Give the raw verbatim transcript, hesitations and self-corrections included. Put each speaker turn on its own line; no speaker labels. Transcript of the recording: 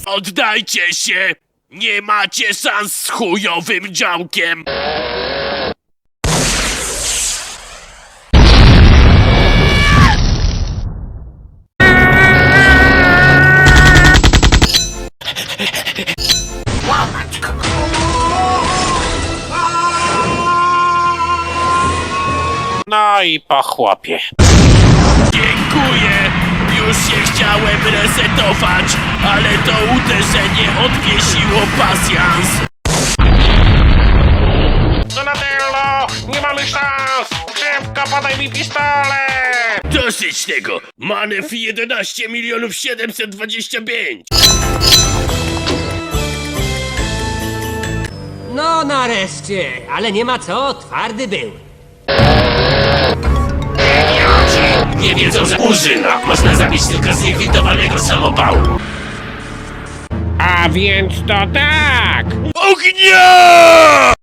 Oddajcie się! Nie macie szans z chujowym działkiem!
No i po chłopie.
Dziękuję! Już się chciałem resetować, ale to uderzenie odwiesiło pasjans.
Donatello! Nie mamy szans! Szybko podaj mi pistolet!
Dosyć tego! Manewr jedenaście milionów siedemset dwadzieścia pięć!
No nareszcie, ale nie ma co, twardy był.
Nie wiedzą, że Murzyna można zabić tylko z niekwitowanego samopału.
A więc to tak!
Ognia!